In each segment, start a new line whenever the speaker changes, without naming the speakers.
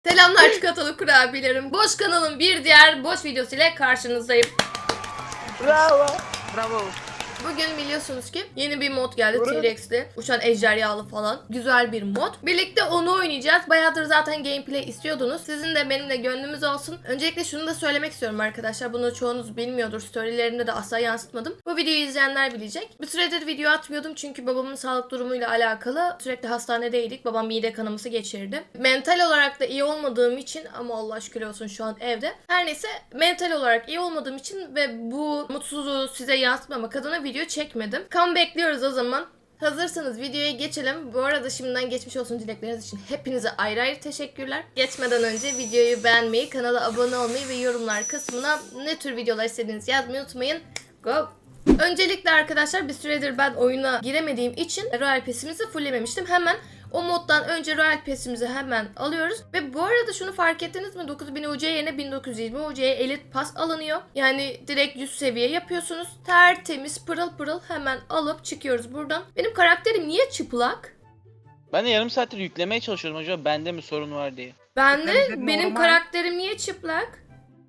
Selamlar çikolatalı kurabiyelerim. Boş kanalın bir diğer boş videosu ile karşınızdayım.
Bravo. Bravo.
Bugün biliyorsunuz ki yeni bir mod geldi, T-Rex'li, uçan ejderhalı falan. Güzel bir mod. Birlikte onu oynayacağız. Bayağıdır zaten gameplay istiyordunuz. Sizin de benim de gönlümüz olsun. Öncelikle şunu da söylemek istiyorum arkadaşlar. Bunu çoğunuz bilmiyordur. Storylerimde de asla yansıtmadım. Bu videoyu izleyenler bilecek. Bir süredir video atmıyordum çünkü babamın sağlık durumuyla alakalı sürekli hastanedeydik. Babam mide kanaması geçirdi. Mental olarak da iyi olmadığım için, ama Allah şükür olsun şu an evde. Her neyse, mental olarak iyi olmadığım için ve bu mutsuzluğu size yansıtmamak adına video çekmedim. Kan bekliyoruz o zaman. Hazırsanız videoya geçelim. Bu arada şimdiden geçmiş olsun dilekleriniz için hepinize ayrı ayrı teşekkürler. Geçmeden önce videoyu beğenmeyi, kanala abone olmayı ve yorumlar kısmına ne tür videolar istediğinizi yazmayı unutmayın. Go! Öncelikle arkadaşlar, bir süredir ben oyuna giremediğim için Royal Pass'imizi fulllememiştim. Hemen o moddan önce Royal Pass'imizi hemen alıyoruz. Ve bu arada şunu fark ettiniz mi? 9000 UC yerine 1920 UC'ye Elite Pass alınıyor. Yani direkt 100 seviye yapıyorsunuz. Tertemiz, pırıl pırıl hemen alıp çıkıyoruz buradan. Benim karakterim niye çıplak?
Ben de yarım saattir yüklemeye çalışıyorum, acaba bende mi sorun var diye.
Benim
normal.
karakterim niye çıplak?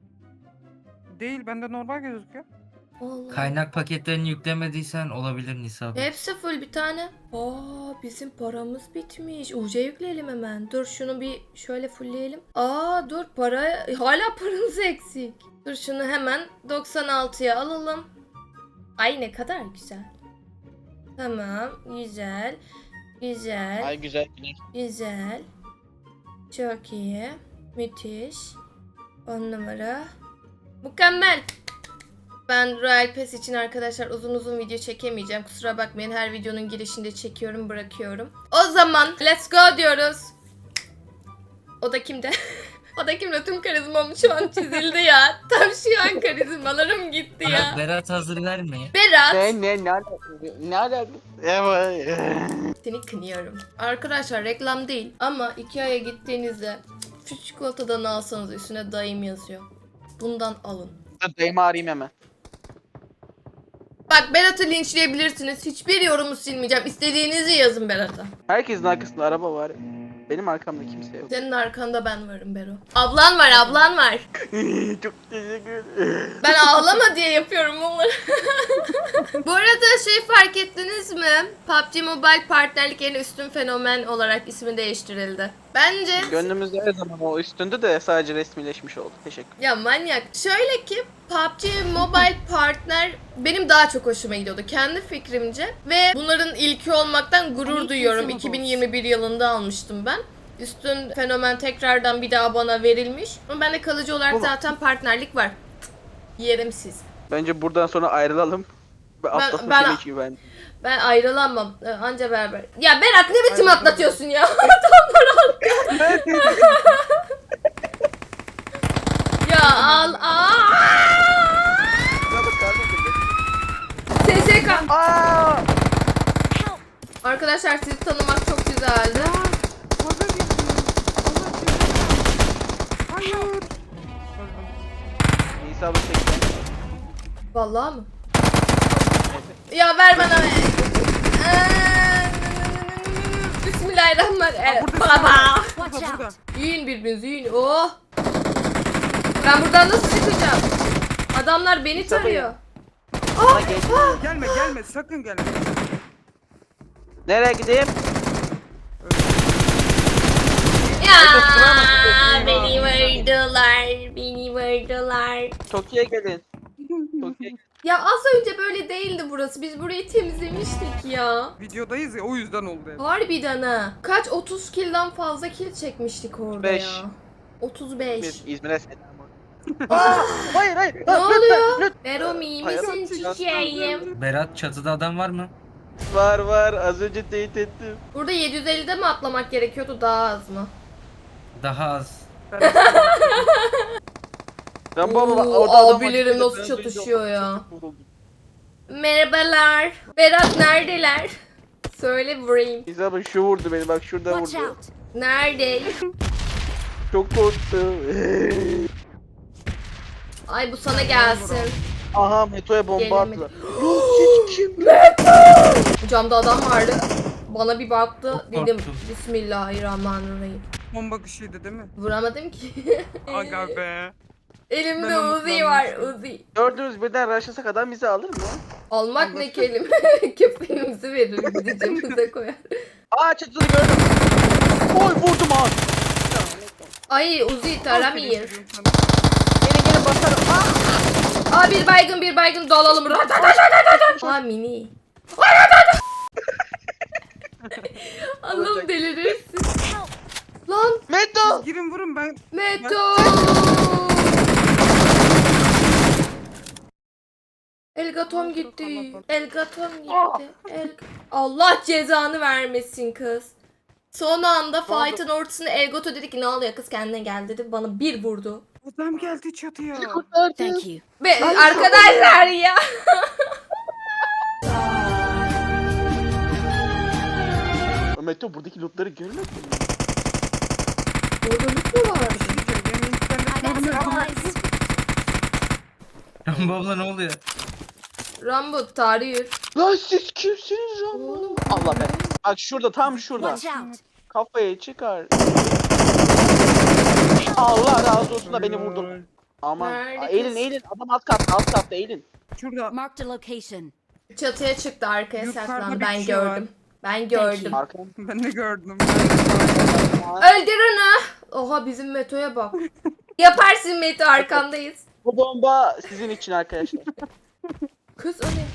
Değil, bende normal gözüküyor.
Allah.
Kaynak paketlerini yüklemediysen olabilir Nisa.
Hepsi full bir tane. Aa, bizim paramız bitmiş. UC yükleyelim hemen. Dur şunu bir şöyle fullleyelim. Aa dur, hala paramız eksik. Dur şunu hemen 96'ya alalım. Ay ne kadar güzel. Tamam, güzel. Güzel.
Ay güzel güneş.
Güzel. Çok iyi. Müthiş. 10 numara. Mükemmel. Ben Royal Pass için arkadaşlar uzun video çekemeyeceğim. Kusura bakmayın, her videonun girişinde çekiyorum, bırakıyorum. O zaman let's go diyoruz. O da kimde? O da kimde? Tüm karizmam şu an çizildi ya. Tam şu an karizmalarım gitti ya.
Berat hazır vermeye.
Berat.
Ne alaka? Evet.
Seni kınıyorum. Arkadaşlar reklam değil ama Ikea'ya gittiğinizde şu çikolatadan alsanız üstüne dayım yazıyor. Bundan alın.
Dayımı arayayım hemen.
Bak, Berat'ı linçleyebilirsiniz. Hiçbir yorumu silmeyeceğim. İstediğinizi yazın Berat'a.
Herkesin arkasında araba var. Benim arkamda kimse yok.
Senin arkanda ben varım Bero. Ablan var, ablan var.
Çok teşekkür ederim.
Ben ağlama diye yapıyorum bunları. Bu arada fark ettiniz mi? PUBG Mobile partnerlik yerine üstün fenomen olarak ismi değiştirildi. Bence...
Gönlümüzde her zaman o üstünde de sadece resmileşmiş oldu. Teşekkür.
Ya manyak. Şöyle ki PUBG Mobile partner benim daha çok hoşuma gidiyordu kendi fikrimce. Ve bunların ilki olmaktan gurur duyuyorum. 2021 yılında almıştım ben. Üstün fenomen tekrardan bir daha bana verilmiş. Ama bende kalıcı olarak zaten partnerlik var. Yerim siz.
Bence buradan sonra ayrılalım.
Ben-
Ben.
Ben ayrılamam. Anca beraber. Ya Berat, ne biçim atlatıyorsun ya? Adamlar halka. Ya al. TSK.
Aa!
Arkadaşlar, sizi tanımak çok güzeldi.
Fazla gitti. Hayır. Öldüm.
Nisa bu 80.
Vallahi mı? Ya ver bana. Bismillahirrahmanirrahim. Baba.
Burada.
Yiyin birbirinizi, yiyin. Oh. Ben buradan nasıl çıkacağım? Adamlar beni tarıyor.
Aa, geç.
Gelme, sakın gelme.
Nereye gideyim?
Ya beni vurdular.
Tokyo'ya gelin. Tokyo'ya gelin.
Ya az önce böyle değildi burası. Biz burayı temizlemiştik ya.
Videodayız ya, o yüzden oldu hep.
Harbiden ha. Kaç 30 kill'den fazla kill çekmiştik orada
35.
ya. 35.
İzmir'e selam. Aa, hayır.
Ne oluyor?
Lütfen.
Vero iyi misin çiçeğim?
Berat çatıda adam var mı?
Var. Az önce teyit ettim.
Burada 750'de mi atlamak gerekiyordu, daha az mı?
Daha az.
Ben baba
Oo,
orada adam
abilerim
var.
nasıl çatışıyor ya. Merhabalar. Berat neredeler? Söyle vurayım.
İsa bak, şu vurdu beni, bak şurada vurdu.
Nerede?
Çok korktum.
Ay bu sana gelsin.
Aha, Meto'ya bomba
Gelemedi.
attılar. Kim?
Camda adam vardı. Bana bir baktı.
Çok
Dedim
korktum.
Bismillahirrahmanirrahim.
Son bakışıydı değil mi?
Vuramadım ki.
Aga be.
Elimde
Ben
Uzi var,
umutlanmıştım.
Uzi.
Gördüğünüz birden raşlasak adam bizi alır mı?
Almak ne
Anlaşıldı.
kelime? Köpeğimizi verir, gideceğimize koyar.
Aa çatısını gördüm. Oy vurdum abi.
Ay Uzi taramayın.
Aferin sana.
Gelin basarım.
Aa bir baygın dalalım. Aa mini. Allah'ım delirirsin. Lan
Meto.
Girin vurun ben.
Meto. Elgatom gitti. Elgatom gitti. Allah cezanı vermesin kız. Son anda
Ne oldu?
fight'ın ortasında Elgato dedi ki ne oluyor kız kendine gel dedi. Bana bir vurdu.
Adam geldi çatıya.
Thank you.
Ve arkadaşlar ya.
Meto buradaki lootları görmedin mi?
Orada loot mu var?
Benim internet görmüyorum.
Rambo abla ne oluyor?
Rambo tarih.
Lan siz kimsiniz lan?
Oğlum.
Allah be. Bak şurada tam şurada.
Watch out.
Kafayı çıkar. Allah razı olsun da beni vurdun. Aman.
Nerede
Aa,
kız?
eğilin adam alt katta eğilin.
Şurada.
Marked a location.
Çatıya çıktı arkaya
Yukarıda
saklandı.
bir
Ben
kişi var.
gördüm. Ben gördüm.
Arkam.
Ben de gördüm.
Öldür onu. Oha bizim Meto'ya bak. Yaparsın Meto arkandayız.
Bu bomba sizin için arkadaşlar.
Kız o ne?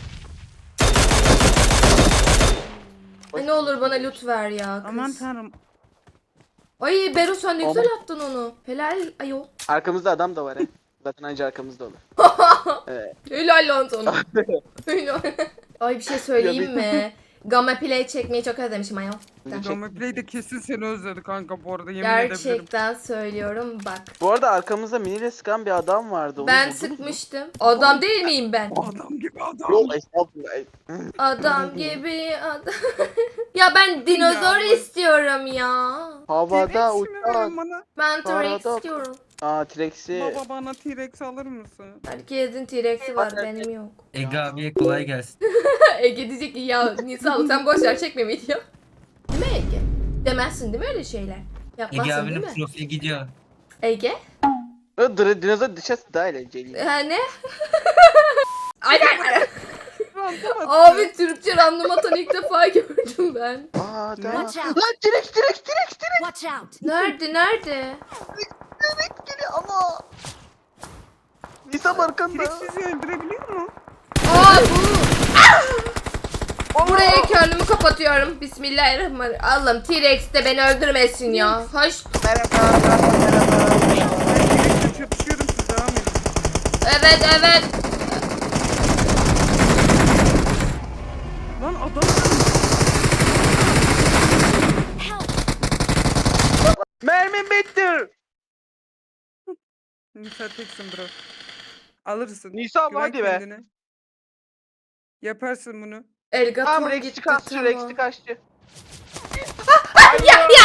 Ay ne olur bana loot ver ya kız.
Aman tanrım.
Ay Beru sen ne
Aman.
güzel attın onu. Helal ayol.
Arkamızda adam da var he. Zaten anca arkamızda olur. Evet.
Helal lan sana. Helal. Ay bir şey söyleyeyim mi? Gamma Play çekmeyi çok özlemişim ayol.
Gamma Play de kesin seni özledi kanka bu arada yemin edebilirim.
Gerçekten söylüyorum bak.
Bu arada arkamızda miniyle sıkan bir adam vardı. Onu
Ben
buldunuz mu?
sıkmıştım. Adam değil miyim ben?
Adam gibi adam.
Yok estağfurullah.
Adam gibi adam. Ya ben dinozor
Ya.
istiyorum ya.
Havada
T-Rex mi
uçan.
verin bana?
Ben T-Rex
Arada-
istiyorum.
Aa T-Rex'i.
Baba bana T-Rex alır mısın?
Herkesin T-Rex'i var benim yok.
Ege abiye kolay gelsin.
Ege diyecek ki ya Nisa sen boş ver çekme video. Değil mi Ege? Demezsin değil mi öyle şeyler?
Ege
Yapmazsın değil
abinin
mi?
profili gidiyor.
Ege?
Dinozor dışarısı daha eğlenceli.
Ha ne? Aynen. Abi Türkçe random atan ilk defa gördüm ben.
Aa tamam.
Watch out.
Lan T-Rex.
Watch out.
Nerede?
T-Rex geliyor ama. Nisam arkanda.
T-Rex sizi öldürebiliyor mu?
Aa bu. Buraya kendimi kapatıyorum. Bismillahirrahmanirrahim. Allah'ım T-Rex de beni öldürmesin ya. Hoş.
Merhaba.
Ben T-Rex'le çatışıyorum siz devam edin.
Evet.
Lan adam
Help.
Mermim bitti.
Nisa teksin bro. Alırsın.
Nisa
Güven
hadi be.
kendine. Yaparsın bunu.
Elgatom
Tamam
gitti
Rex'i kaçtı.
tamam.
Rex'i kaçtı.
Ya!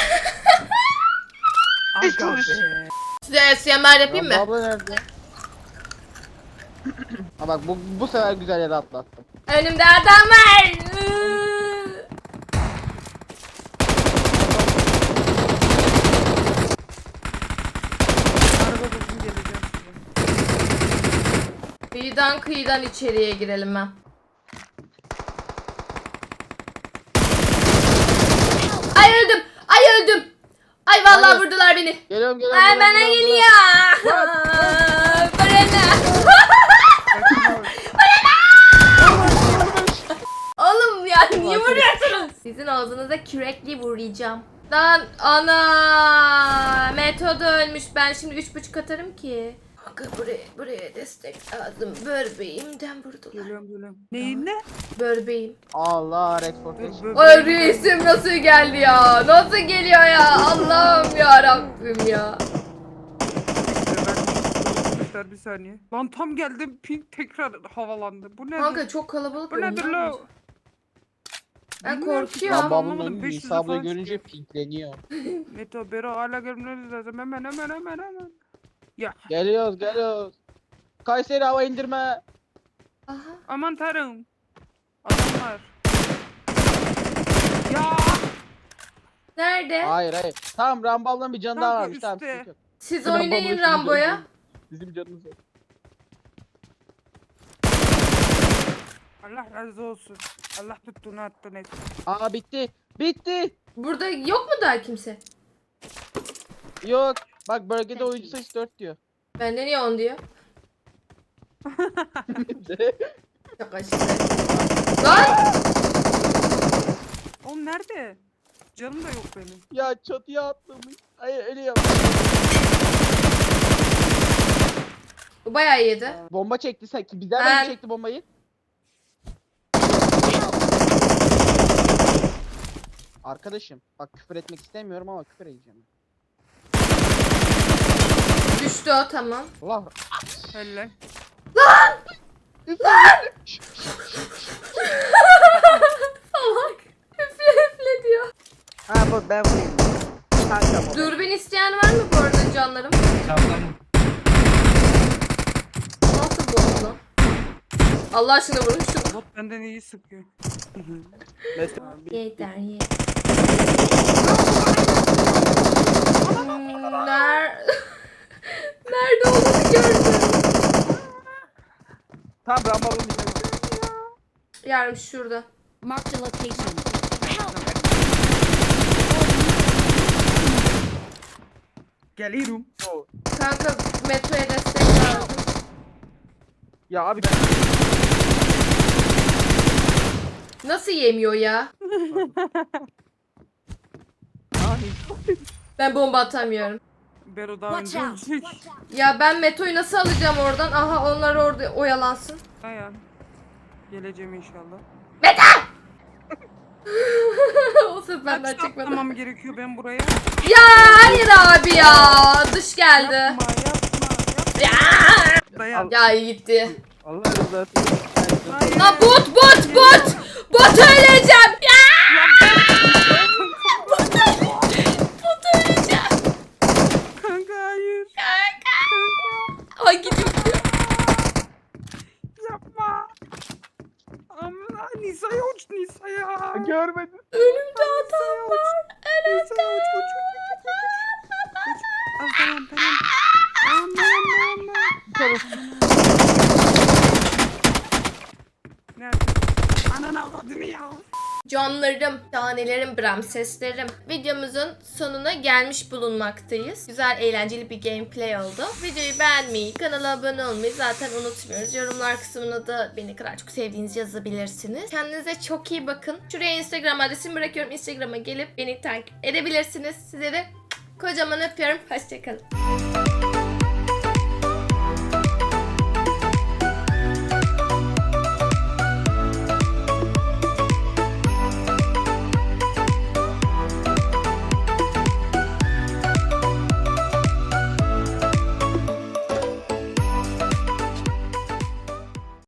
Hiç
Aga
konuş.
be.
Size SMR yapayım mı?
Abla nerede? Ha bak bu sefer güzel yere atlattım.
Önümde adam var.
Araba buldum geleceğim size.
Kıyıdan içeriye girelim ben. Ay öldüm. Ay vallahi
Nerede?
vurdular beni.
Geliyorum.
Ay bana geliyor. Bana ne? Oğlum ya niye vuruyorsunuz? Sizin ağzınıza kürekli vuracağım. Lan ana Metoda ölmüş. Ben şimdi 3.5 atarım ki. Kanka buraya destek lazım. Börbeğimden vurdular.
Geliyorum. Neyin ne?
Börbeğim.
Allah Exportation.
Ay reisim nasıl geldi ya? Nasıl geliyor ya? Allah'ım ya Rabbim ya.
Bir saniye. Lan tam geldim ping tekrar havalandı. Bu ne?
Kanka çok kalabalık.
Bu nedir
oynuyor.
la?
Ben
Bilmiyorum ki.
korkuyorum.
Lan babamın
Anlamadım,
önü
500
Nisa ablayı
falan
görünce
çıkıyor.
pinkleniyor.
Meto Bero hala görmeniz lazım. Hemen. Ya
Geliyoruz. Kayseri hava indirme.
Aha.
aman tanrım. Adamlar. Ya
Nerede?
Hayır hayır. Tamam Rambo ablanın bir canı daha
Kanka,
varmış. Tamam
üstte.
sıkıntı yok.
Siz
Rambo
oynayın
ablanın
Rambo'ya.
canı- Bizim canımız yok.
Allah razı olsun. Allah tuttuğunu attın et.
Aa bitti. Bitti.
Burada yok mu daha kimse?
Yok. Bak bölgede oyuncu sayısı 4 diyor.
Bende niye 10 diyor? Çok aşırı. Lan!
Oğlum nerede? Canım da yok benim.
Ya çatıya atlamış. Hayır öyle yap.
Bu bayağı iyiydi.
Bomba çekti sen. Bizden
Ben-
mi çekti bombayı? Arkadaşım bak küfür etmek istemiyorum ama küfür edeceğim.
Düştü o, tamam.
Allah.
Helal.
Salak. Üfle üfle diyor.
Ha bu ben vurayım. Kanka bu.
Dürbün isteyen var mı bu arada canlarım?
Tamam.
Nasıl bu lan? Allah aşkına vurun şunu.
Bot benden iyi sıkıyor.
Mesela
Yeter ye. Nerede olduğunu gördüm.
Tamam Rambo ablanın bir canı var.
Yarım şurada.
Marked a location. Help!
Geliyorum.
Kanka metroya destek lazım.
Ya abi ben
Nasıl yemiyor ya? Ben bomba atamıyorum.
Bero daha
Watch
önce
out.
ölecek.
Ya ben Meto'yu nasıl alacağım oradan? Aha onlar orada oyalansın.
Dayan. Geleceğim inşallah.
O seferden
Kaç
çıkmadı.
atlamam gerekiyor ben buraya?
Ya hayır abi ya. Dış geldi.
Yapma yapma.
Ya.
Dayan.
Ya iyi gitti.
Allah rızası için.
Hayır.
La bot. Bot öleceğim. Ya. Bot öleceğim.
Kanka hayır.
Ay gidiyor.
Yapma. Amma Nisa'ya uç Nisa'ya.
Görmedim.
Önümde adam var.
Nisa'ya uç uç uç uç uç. Uç. Al tamam tamam. Aman. Nerede? Ananı avradını ya.
Canlarım, tanelerim, Bramseslerim. Videomuzun sonuna gelmiş bulunmaktayız. Güzel, eğlenceli bir gameplay oldu. Videoyu beğenmeyi, kanala abone olmayı zaten unutmuyoruz. Yorumlar kısmına da beni kadar çok sevdiğinizi yazabilirsiniz. Kendinize çok iyi bakın. Şuraya Instagram adresimi bırakıyorum. Instagram'a gelip beni takip edebilirsiniz. Size de kocaman öpüyorum. Hoşçakalın.